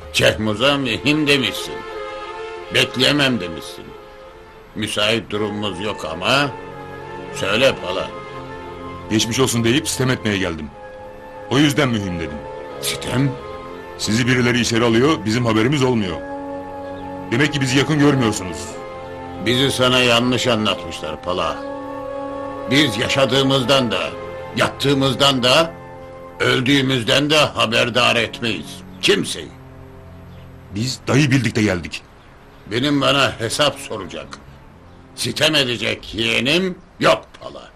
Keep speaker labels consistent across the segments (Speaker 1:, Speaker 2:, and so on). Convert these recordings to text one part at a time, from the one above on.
Speaker 1: Cehmuz'a mühim demişsin. Bekleyemem demişsin. Müsait durumumuz yok ama... Söyle Pala.
Speaker 2: Geçmiş olsun deyip sitem etmeye geldim. O yüzden mühim dedim.
Speaker 1: Sitem?
Speaker 2: Sizi birileri içeri alıyor, bizim haberimiz olmuyor. Demek ki bizi yakın görmüyorsunuz.
Speaker 1: Bizi sana yanlış anlatmışlar Pala. Biz yaşadığımızdan da, yattığımızdan da, öldüğümüzden de haberdar etmeyiz. Kimseyi.
Speaker 2: Biz dayı bildik de geldik.
Speaker 1: Benim bana hesap soracak. Sitem edecek yeğenim yok Pala.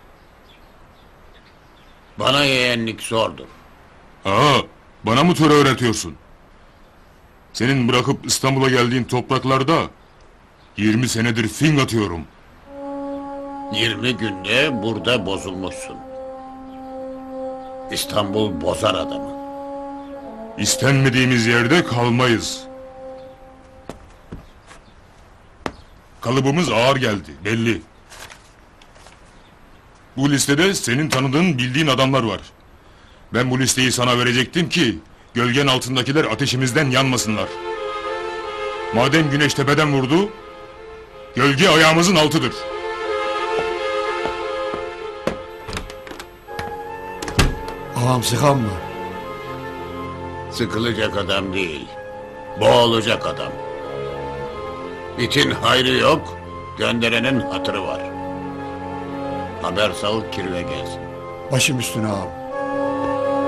Speaker 1: Bana yeğenlik zordur.
Speaker 2: Aa, bana mı töre öğretiyorsun? Senin bırakıp İstanbul'a geldiğin topraklarda 20 senedir fing atıyorum.
Speaker 1: 20 günde burada bozulmuşsun. İstanbul bozar adamı.
Speaker 2: İstenmediğimiz yerde kalmayız. Kalıbımız ağır geldi, belli. Bu listede senin tanıdığın, bildiğin adamlar var. Ben bu listeyi sana verecektim ki gölgen altındakiler ateşimizden yanmasınlar. Madem güneş tepeden vurdu, gölge ayağımızın altıdır.
Speaker 3: Ağam sıkan mı?
Speaker 1: Sıkılacak adam değil. Boğulacak adam. İtin hayrı yok, gönderenin hatırı var. Haber sal kirve gelsin.
Speaker 3: Başım üstüne ağam.